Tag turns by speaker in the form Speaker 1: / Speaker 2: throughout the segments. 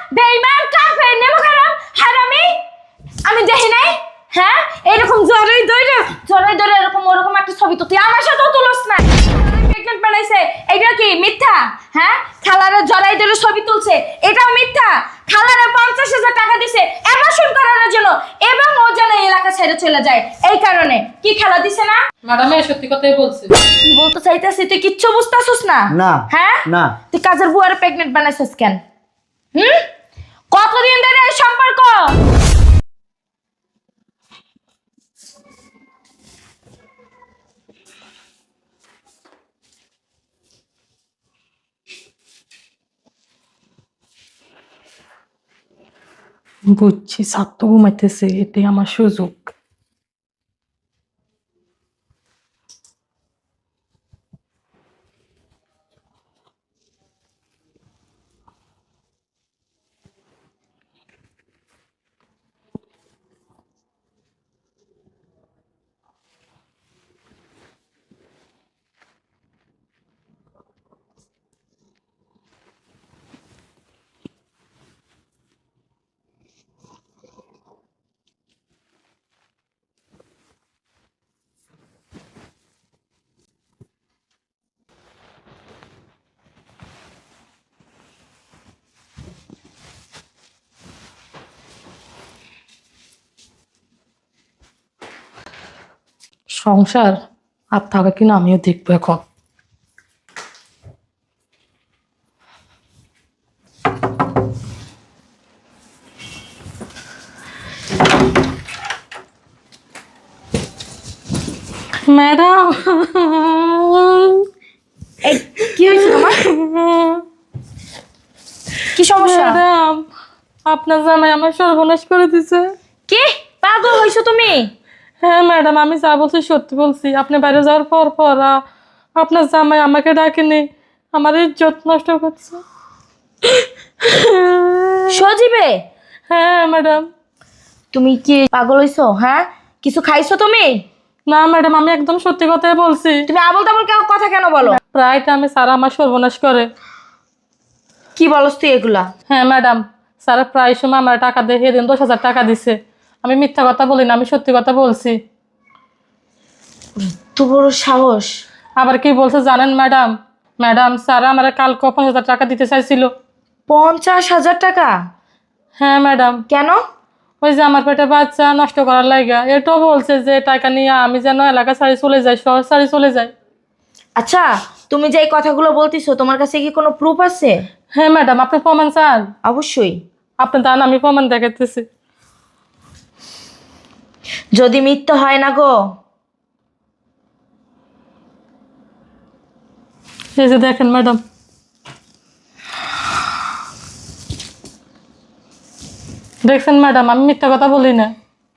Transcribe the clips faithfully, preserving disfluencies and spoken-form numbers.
Speaker 1: বেঈমান কাফের নেমখারাম হারামি আমি দেখি নাই হ্যাঁ এরকম জড়াই ধরে জড়াই ধরে এরকম ওরকম একটা ছবি তো তুই আমার সাথেও তুলস না প্রেগন্যান্ট বানাইছে এটা কি মিথ্যা হ্যাঁ খালারে জড়াই ধরে ছবি তুলছে এটাও মিথ্যা খালারে পঞ্চাশ হাজার টাকা দিছে অ্যাবার্শন করানোর জন্য এবং ও যেন এই এলাকা ছেড়ে চলে যায় এই কারণে কি খেলা দিছে না
Speaker 2: ম্যাডাম এই সত্যি কথাই বলছে
Speaker 1: কি বলতে চাইতেছিস তুই কিচ্ছু বুঝতাছিস না
Speaker 3: না
Speaker 1: হ্যাঁ
Speaker 3: না
Speaker 1: তুই কাজের বুয়ারে প্রেগন্যান্ট বানাইছিস কেন হুম কতদিন ধরে এই সম্পর্ক
Speaker 2: বুঝছি ছাত্র ঘুমাইতেছে এটাই আমার সুযোগ সংসার আর থাকা কিনা আমিও দেখবো এখন ম্যাডাম
Speaker 1: এই কি হয়েছে তোমার কি সমস্যা
Speaker 2: ম্যাডাম আপনার জামাই আমার সর্বনাশ করে দিছে
Speaker 1: কি পাগল হইছো তুমি
Speaker 2: হ্যাঁ ম্যাডাম আমি যা বলছি সত্যি বলছি আপনি বাইরে যাওয়ার পর পর আ- আপনার জামাই আমাকে ডাকেনি আমার ইজ্জত নষ্ট করছে
Speaker 1: সজীবে
Speaker 2: হ্যাঁ ম্যাডাম
Speaker 1: তুমি কি পাগল হইছো হ্যাঁ কিছু খাইছো তুমি
Speaker 2: না ম্যাডাম আমি একদম সত্যি কথাই বলছি
Speaker 1: তুমি আবল তাবল কেন কথা কেন বলো
Speaker 2: প্রায় টাইমে স্যার আমার সর্বনাশ করে
Speaker 1: কি বলস তুই এগুলা
Speaker 2: হ্যাঁ ম্যাডাম স্যার প্রায় সময় আমার টাকা দিয়ে সেদিন দশ হাজার টাকা দিছে আমি মিথ্যা কথা বলি না আমি সত্যি কথা বলছি
Speaker 1: তো বড় সাহস
Speaker 2: আবার কি বলছে জানেন ম্যাডাম ম্যাডাম স্যার আমার কালকে পাঁচ হাজার টাকা দিতে চাইছিল
Speaker 1: পঞ্চাশ হাজার টাকা
Speaker 2: হ্যাঁ ম্যাডাম
Speaker 1: কেন
Speaker 2: ওই যে আমার পেটে বাচ্চা নষ্ট করার লাগা এটাও বলছে যে টাকা নিয়ে আমি যেন এলাকা ছাড়ি চলে যাই শহর ছাড়ি চলে যাই
Speaker 1: আচ্ছা তুমি যে এই কথাগুলো বলতিছো তোমার কাছে কি কোনো প্রুফ আছে
Speaker 2: হ্যাঁ ম্যাডাম আপনি প্রমাণ চান
Speaker 1: অবশ্যই
Speaker 2: আপনি দান আমি প্রমাণ দেখাতেছি
Speaker 1: যদি মিথ্যা হয় না গো
Speaker 2: এই যে দেখেন ম্যাডাম দেখছেন ম্যাডাম আমি মিথ্যা কথা বলি না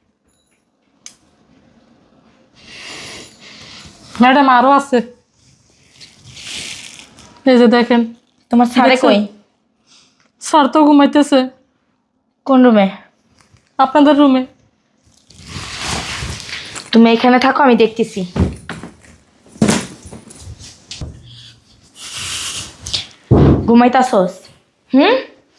Speaker 2: ম্যাডাম আরো আছে এই যে দেখেন
Speaker 1: তোমার স্যারে
Speaker 2: দেখছো?
Speaker 1: কই
Speaker 2: স্যার তো ঘুমাইতেছে
Speaker 1: কোন রুমে
Speaker 2: আপনাদের রুমে
Speaker 1: তুমি এখানে থাকো আমি দেখতেছি ঘুমাইতাছস হুম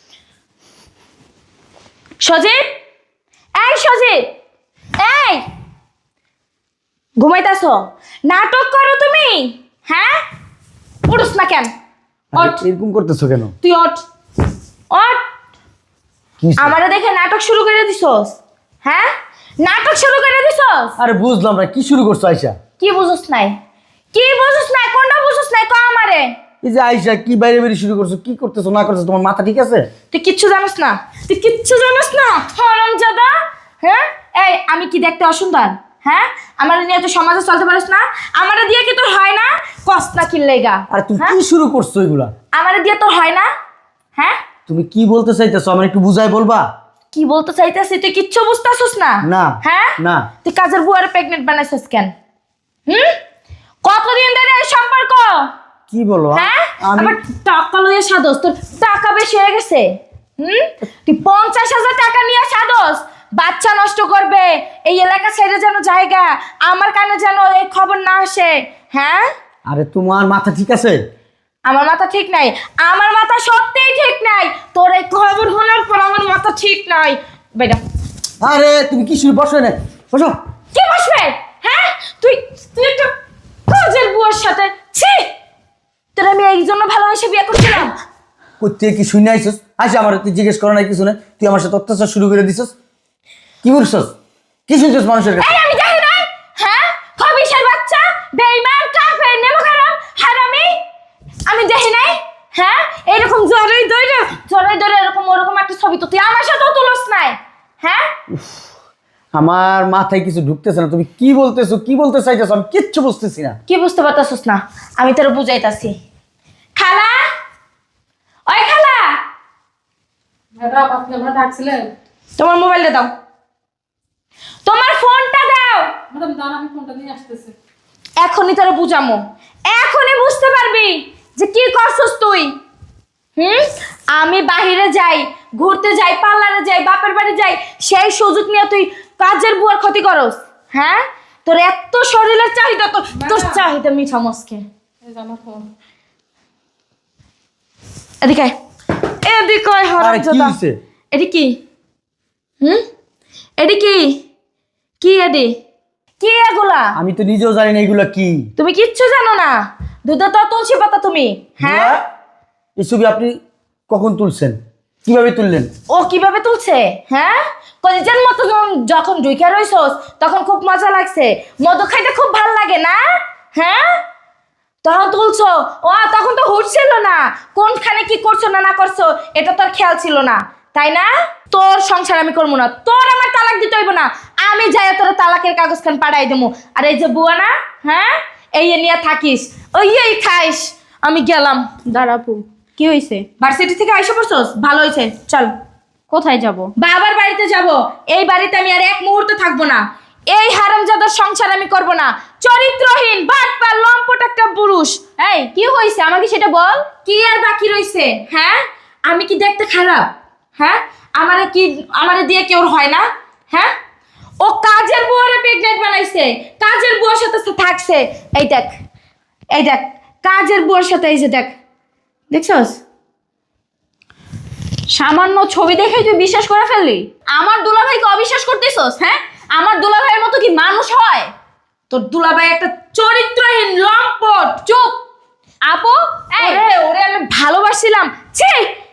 Speaker 1: সজীব এই সজীব এই ঘুমাইতাছ নাটক করো তুমি হ্যাঁ উঠস না কেন
Speaker 3: আরে,
Speaker 1: ওঠ
Speaker 3: এরকম করতেছো কেন
Speaker 1: তুই ওঠ ওঠ
Speaker 3: কি হইছে?
Speaker 1: আমারে দেখে নাটক শুরু করে দিছস হ্যাঁ নাটক শুরু করে দিছস
Speaker 3: আরে বুঝলাম না কি শুরু করছো আয়শা
Speaker 1: কি বুঝছস নাই কি বুঝছস নাই কোনটা বুঝছস নাই ক আমারে
Speaker 3: এই যে আয়শা কি বাইরে বাইরে শুরু করছো কি করতেছো না করতেছো তোমার মাথা ঠিক আছে
Speaker 1: তুই কিচ্ছু জানিস না তুই কিচ্ছু জানিস না হারামজাদা হ্যাঁ এই আমি কি দেখতে অসুন্দর হ্যাঁ আমার নিয়ে তুই সমাজে চলতে পারিস না আমারে দিয়ে কি তোর হয় না কষ্ট না কিনলেগা
Speaker 3: আরে তুমি
Speaker 1: হ্যাঁ?
Speaker 3: কি শুরু করছো এগুলা
Speaker 1: আমারে দিয়ে তোর হয় না হ্যাঁ
Speaker 3: তুমি কি বলতে চাইতেছো আমার একটু বুঝাই বলবা
Speaker 1: কি বলতে চাইতেছিস তুই কিচ্ছু বুঝতাছিস না
Speaker 3: না
Speaker 1: হ্যাঁ
Speaker 3: না
Speaker 1: তুই কাজের বুয়ারে প্রেগনেন্ট বানাইছিস কেন হুম কতদিন ধরে এই সম্পর্ক
Speaker 3: কি বলো
Speaker 1: হ্যাঁ
Speaker 3: আমি
Speaker 1: আবার টাকা লইয়া সাদস তোর টাকা বেশি হয়ে গেছে হুম তুই পঞ্চাশ হাজার টাকা নিয়ে সাদস বাচ্চা নষ্ট করবে এই এলাকা ছেড়ে যেন জায়গা আমার কানে যেন এই খবর না আসে হ্যাঁ
Speaker 3: আরে তোমার মাথা ঠিক আছে
Speaker 1: আমার মাথা ঠিক নাই আমার মাথা সত্যিই ঠিক নাই তোর এই খবর শোনার ঠিক নাই বেটা।
Speaker 3: আরে তুমি কি শুরু বসো না বসো।
Speaker 1: কি বসবে? হ্যাঁ তুই তুই একটা কাজের বুয়ার সাথে ছি। তোর আমি এই জন্য ভালোবাসে বিয়ে করছিলাম।
Speaker 3: করতে কি শুনে আইসস? আচ্ছা আমার তুই জিজ্ঞেস করো নাই কিছু না, তুই আমার সাথে অত্যাচার শুরু করে দিছস। কি করছস? কি শুনছস মানুষের কাছে?
Speaker 1: এই আমি দেখি নাই, হ্যাঁ খবিশের বাচ্চা, বেঈমান, কাফের, নেমখারাম, হারামি। আমি দেখি নাই, হ্যাঁ এরকম জড়ই দইরে জড়ই দইরে এরকম ওরকম একটা ছবি তো তুই আমার সাথেও তুলস নাই, হ্যাঁ?
Speaker 3: আমার মাথায় কিছু ঢুকতেছে না, তুমি কি বলতেছো কি বলতে চাইতেছো আমি কিচ্ছু বুঝতেছি না।
Speaker 1: কি বুঝতে পারতাছিস না? আমি তোর বুঝাইতাছি। খালা, ওই খালা,
Speaker 2: ম্যাডাম আপনি আমার ডাকছিলেন?
Speaker 1: তোমার মোবাইলটা দাও, তোমার ফোনটা দাও।
Speaker 2: ম্যাডাম দাঁড়ান, আমি ফোনটা নিয়ে আসতেছি।
Speaker 1: এখনই তোরা বুঝামো, এখনই বুঝতে পারবি যে কি করছস তুই। হুম আমি বাহিরে যাই, ঘুরতে যাই, পার্লারে যাই, বাপের বাড়ি যাই, সেই সুযোগ নিয়ে তুই কাজের বুয়ার ক্ষতি করস। হ্যাঁ তোর এত শরীরের চাহিদা, তো তোর চাহিদা মিঠা মস্কে।
Speaker 2: এই যে আমার ফোন।
Speaker 1: এদিকে আয়, এদিকে আয়
Speaker 3: আরে কি
Speaker 1: হারামজাদা।
Speaker 3: হইছে?
Speaker 1: এডি কি? হুম এডি কি? কি এডি? কি এগুলা?
Speaker 3: আমি তো নিজেও জানি না এগুলা কি।
Speaker 1: তুমি কিচ্ছু জানো না। দুধে তো তুলসী পাতা তুমি, হ্যাঁ?
Speaker 3: বুয়া, এই ছবি আপনি কখন তুলছেন, কিভাবে তুললেন?
Speaker 1: ও কিভাবে তুলছে, হ্যাঁ? কলিজার মতো যখন- যখন ঢুকে রইছস তখন খুব মজা লাগছে, মধু খাইতে খুব ভাল লাগে না, হ্যাঁ? তখন তুলছো, ও তখন তো হুঁশ ছিল না, কোনখানে কি করছো না না করছো এটা তোর খেয়াল ছিল না, তাই না? তোর সংসার আমি করবো না, তোর আমার তালাক দিতে হইব না, আমি যাই তোর তালাকের কাগজ খান পাঠাই দেবো। আর এই যে বুয়া না, হ্যাঁ এই নিয়ে থাকিস, ওই এই খাইস। আমি গেলাম।
Speaker 4: দাঁড়াপু, কি হয়েছে?
Speaker 1: ভার্সিটি থেকে আইসা পড়ছস, ভালো হয়েছে, চল
Speaker 4: কোথায় যাব?
Speaker 1: বাবার বাড়িতে যাব। এই বাড়িতে আমি আর এক মুহূর্ত থাকবো না। এই হারামজাদার সংসার আমি করব না। চরিত্রহীন বাটপার লম্পট একটা পুরুষ।
Speaker 4: এই কি হয়েছে আমাকে সেটা বল।
Speaker 1: কি আর বাকি রইছে, হ্যাঁ? আমি কি দেখতে খারাপ, হ্যাঁ? আমারে কি আমারে দিয়ে কেউ হয় না, হ্যাঁ? ও কাজের বুয়ারে প্রেগনেন্ট বানাইছে, কাজের বুয়ার সাথে সে থাকছে। এই দেখ, এই দেখ কাজের বুয়ার সাথে, এই যে দেখ, দেখছস?
Speaker 4: সামান্য ছবি দেখেই তুই বিশ্বাস করে ফেললি? আমার দুলাভাইকে অবিশ্বাস করতেছস? হ্যাঁ, আমার দুলাভাইয়ের মতো কি মানুষ হয়?
Speaker 1: তোর দুলাভাই একটা চরিত্রহীন লম্পট।
Speaker 4: চুপ আপু। এই
Speaker 1: ওরে ওরে আমি ভালোবাসছিলাম, ছি।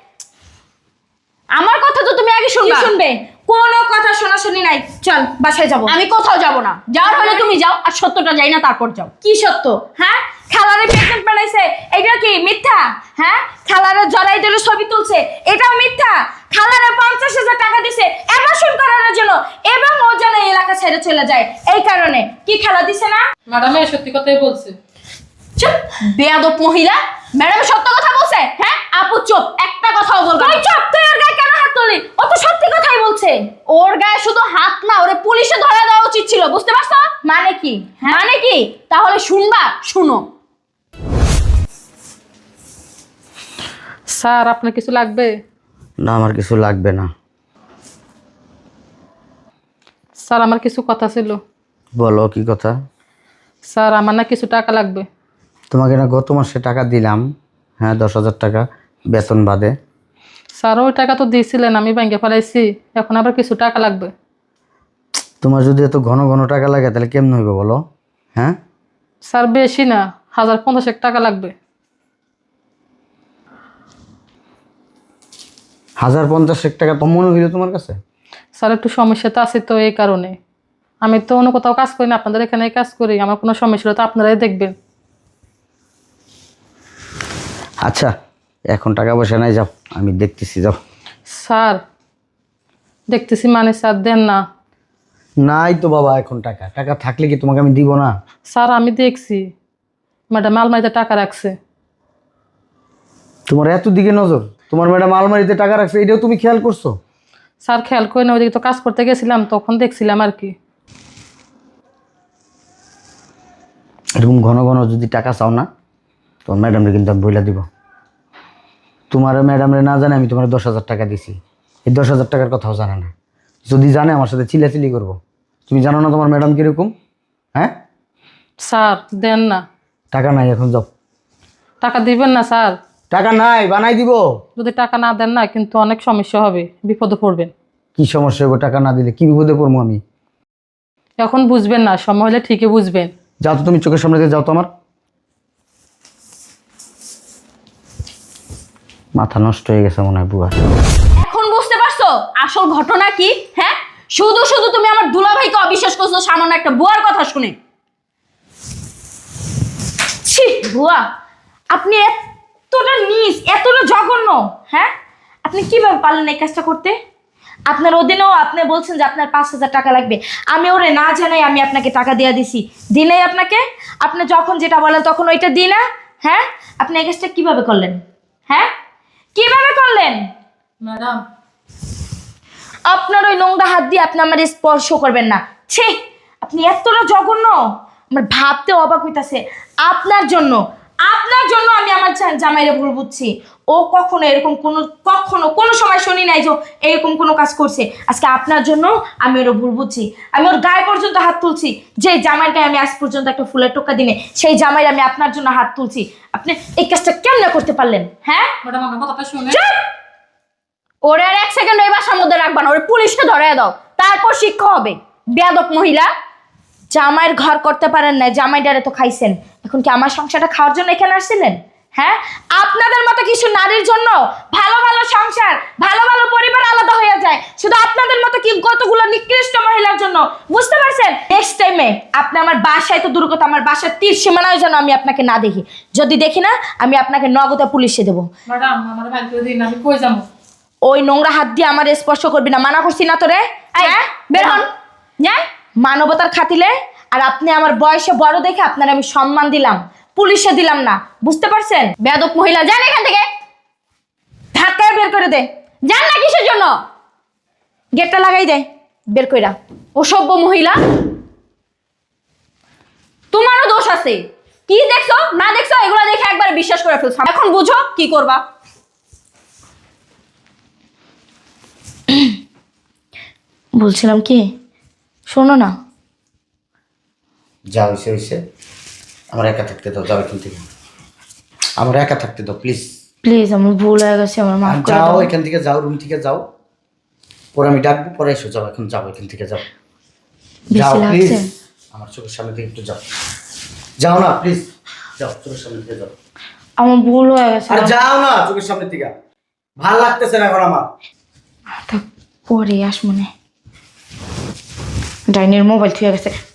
Speaker 4: আমার কথা তো তুমি আগে
Speaker 1: কি
Speaker 4: শুনবা।
Speaker 1: শুনবে? কোনো কথা শোনাশুনি নাই, চল বাসায় যাব।
Speaker 4: আমি কোথাও যাব না, যাওয়ার হলে তুমি যাও, আর সত্যটা যাই না তারপর যাও।
Speaker 1: কি সত্য, হ্যাঁ? খালারে প্রেগনেন্ট বানাইছে, এটা কি মিথ্যা? হ্যাঁ খালারে জড়াই ধরে ছবি তুলছে, এটাও মিথ্যা। খালারে পঞ্চাশ হাজার টাকা দিছে অ্যাবর্শন করানোর জন্য, এবং ও যেন এই এলাকা ছেড়ে চলে যায়, এই কারণে। কি খেলা দিছে না?
Speaker 2: ম্যাডাম এই সত্যি কথাই বলছে।
Speaker 4: চুপ বেয়াদব মহিলা। ম্যাডাম সত্য কথা বলছে। হ্যাঁ আপু চুপ, একটা কথাও বলবা
Speaker 1: তুই
Speaker 4: না।
Speaker 1: চুপ, তুই ওর গায়ে কেন হাত তুললি? ও তো সত্যি কথাই বলছে।
Speaker 4: ওর গায়ে শুধু হাত না, ওরে পুলিশে ধরা দেওয়া উচিত ছিল, বুঝতে পারছো?
Speaker 1: মানে কি? হ্যাঁ
Speaker 4: মানে কি? তাহলে শুনবা, শুনো।
Speaker 2: স্যার আপনার কিছু লাগবে?
Speaker 3: না আমার কিছু লাগবে না।
Speaker 2: স্যার আমার কিছু কথা ছিল।
Speaker 3: বলো কি কথা?
Speaker 2: স্যার আমার না কিছু টাকা লাগবে।
Speaker 3: তোমাকে না গত মাসে টাকা দিলাম, হ্যাঁ দশ হাজার টাকা বেতন বাদে।
Speaker 2: স্যার ওই টাকা তো দিয়েছিলেন, আমি ব্যাংকে ফেলাইছি, এখন আবার কিছু টাকা লাগবে।
Speaker 3: তোমার যদি এত ঘন ঘন টাকা লাগে তাহলে কেমন হইবে বলো? হ্যাঁ
Speaker 2: স্যার বেশি না, হাজার পঞ্চাশেক টাকা লাগবে।
Speaker 3: হাজার পঞ্চাশ টাকা তো মনে হইলো তোমার কাছে?
Speaker 2: স্যার একটু সমস্যা তো আছে, তো এই কারণে। আমি তো অন্য কোথাও কাজ করি না, আপনাদের এখানেই কাজ করি, আমার কোনো সমস্যা হলে তো আপনারাই দেখবেন।
Speaker 3: আচ্ছা এখন টাকা পয়সা নাই, যাও আমি দেখতেছি, যাও।
Speaker 2: স্যার দেখতেছি মানে স্যার দেন না।
Speaker 3: নাই তো বাবা এখন টাকা, টাকা থাকলে কি তোমাকে আমি দিব না?
Speaker 2: স্যার আমি দেখছি ম্যাডাম আলমারিতে টাকা রাখছে।
Speaker 3: তোমার এত দিকে নজর, তোমার ম্যাডাম আলমারিতে টাকা রাখছে এটাও তুমি খেয়াল করছো?
Speaker 2: স্যার খেয়াল করে না, ওইদিকে তো কাজ করতে গেছিলাম, তখন দেখছিলাম আর কি।
Speaker 3: এরকম ঘন ঘন যদি টাকা চাও না, তোমার ম্যাডামরে কিন্তু আমি বইলা দিব। তোমার ম্যাডামরে না জানে আমি তোমার দশ হাজার টাকা দিছি, এই দশ হাজার টাকার কথাও জানে না। যদি জানে আমার সাথে চিলাচিলি করবো। তুমি জানো না তোমার ম্যাডাম কীরকম? হ্যাঁ
Speaker 2: স্যার দেন না।
Speaker 3: টাকা নাই, এখন যাও।
Speaker 2: টাকা দিবেন না স্যার?
Speaker 3: টাকা নাই, বানাই দিব।
Speaker 2: যদি টাকা না দেন না কিন্তু অনেক সমস্যা হবে, বিপদে পড়বেন।
Speaker 3: কি সমস্যা হবে টাকা না দিলে? কি বিপদে পড়বো আমি?
Speaker 2: এখন বুঝবেন না, সময় হলে ঠিকই বুঝবেন।
Speaker 3: যাও তো, তুমি চোখের সামনে দিয়ে যাও তো। আমার মাথা নষ্ট হয়ে গেছে মনে হয় বুয়া।
Speaker 4: এখন বুঝতে পারছো আসল ঘটনা কি? হ্যাঁ, শুধু শুধু তুমি আমার দুলাভাইকে অবিশ্বাস করছো সামান্য একটা বুয়ার কথা শুনে।
Speaker 1: ছি বুয়া, আপনি এতটা নিচ, এতটা জঘন্য, হ্যাঁ? আপনি কিভাবে পারলেন এই কাজটা করতে? আপনার অধীনেও আপনি বলছেন যে আপনার পাঁচ হাজার টাকা লাগবে, আমি ওরে না জানাই আমি আপনাকে টাকা দিয়ে দিছি, দিলেই আপনাকে, আপনি যখন যেটা বলেন তখন ওইটা দিই না, হ্যাঁ? আপনি এই কাজটা কিভাবে করলেন? হ্যাঁ, কিভাবে করলেন?
Speaker 2: ম্যাডাম,
Speaker 1: আপনার ওই নোংরা হাত দিয়ে আপনি আমার স্পর্শ করবেন না। ছি, আপনি এতটা জঘন্য, আমার ভাবতে অবাক হইতাছে। আপনার জন্য, আপনার জন্য আমি আমার জা- জামাইরে ভুল বুঝছি। ও কখনো এরকম কোনো, কখনো কোনো সময় শুনি নাই যে ও এরকম কোনো কাজ করছে। আজকে আপনার জন্য আমি ওর ভুল বুঝছি। আমি ওর গায়ে পর্যন্ত হাত তুলছি, যে জামাইয়ের গায়ে আমি আজ পর্যন্ত একটা ফুলের টোকা দিনে, সেই জামাইয়ের আমি আপনার জন্য হাত তুলছি। আপনি এই কাজটা কেমনে করতে পারলেন? হ্যাঁ,
Speaker 2: ম্যাডাম আমার কথাটা শুনে।
Speaker 1: চুপ!
Speaker 4: ওরে আর এক সেকেন্ড এই বাসার মধ্যে রাখবা না, ওরে পুলিশকে ধরে দাও, তারপর শিক্ষা হবে। বেয়াদব মহিলা।
Speaker 1: জামাইয়ের ঘর করতে পারেন না, জামাই ডারে তো খাইছেন, এখন কি আমার সংসারটা খাওয়ার জন্য এখানে আসছিলেন? হ্যাঁ, আপনাদের মতো কিছু নারীর জন্য ভালো ভালো সংসার, ভালো ভালো পরিবার আলাদা হয়ে যায়, শুধু আপনাদের মতো কি কতগুলো নিকৃষ্ট মহিলার জন্য। বুঝতে পারছেন? নেক্সট টাইমে আপনি আমার বাসায় তো দূর কথা, আমার বাসার তীর সীমানায় যেন আমি আপনাকে না দেখি। যদি দেখি না, আমি আপনাকে নগদে পুলিশে দেবো।
Speaker 2: ম্যাডাম আমার ভাই করে দিন, আমি কই যাবো?
Speaker 1: ওই নোংরা হাত দিয়ে আমার স্পর্শ করবি না, মানা করছি না তোরে? হ্যাঁ,
Speaker 4: বের হন, যান।
Speaker 1: মানবতার খাতিলে, আর আপনি আমার বয়সে বড় দেখে আপনার আমি সম্মান দিলাম, পুলিশে দিলাম না। বুঝতে পারছেন?
Speaker 4: বেয়াদব মহিলা, যান এখান থেকে।
Speaker 1: ধাক্কায় বের করে দে,
Speaker 4: যান না কিসের জন্য?
Speaker 1: গেটটা লাগাই দে, বের কইরা।
Speaker 4: অসভ্য মহিলা। তোমারও দোষ আছে। কি দেখছো না দেখছো এগুলো দেখে একবার বিশ্বাস করে ফেলছো। এখন বুঝো কি করবা।
Speaker 1: বলছিলাম কি, শোনো না,
Speaker 3: যা হয়েছে হয়েছে, আমার একা থাকতে দাও। যাও এখান থেকে, আমার একা থাকতে দাও প্লিজ।
Speaker 1: প্লিজ, আমার ভুল হয়ে গেছে, আমার মাফ করে
Speaker 3: যাও
Speaker 1: দাও।
Speaker 3: এখান থেকে, যাও রুম থেকে যাও, পরে আমি ডাকবো, পরে এসো। যাও এখন, যাও এখান থেকে, যাও যাও
Speaker 1: বেশি
Speaker 3: প্লিজ।
Speaker 1: লাগছে?
Speaker 3: আমার চোখের সামনে থেকে একটু যাও, যাও না প্লিজ, যাও চোখের সামনে থেকে যাও।
Speaker 1: আমার ভুল হয়ে গেছে।
Speaker 3: আর যাও না চোখের সামনে থেকে, ভাল লাগতেছে না এখন আমার।
Speaker 1: থাক, পরে আস মনে, ডাইনের মোবাইল থুয়ে গেছে।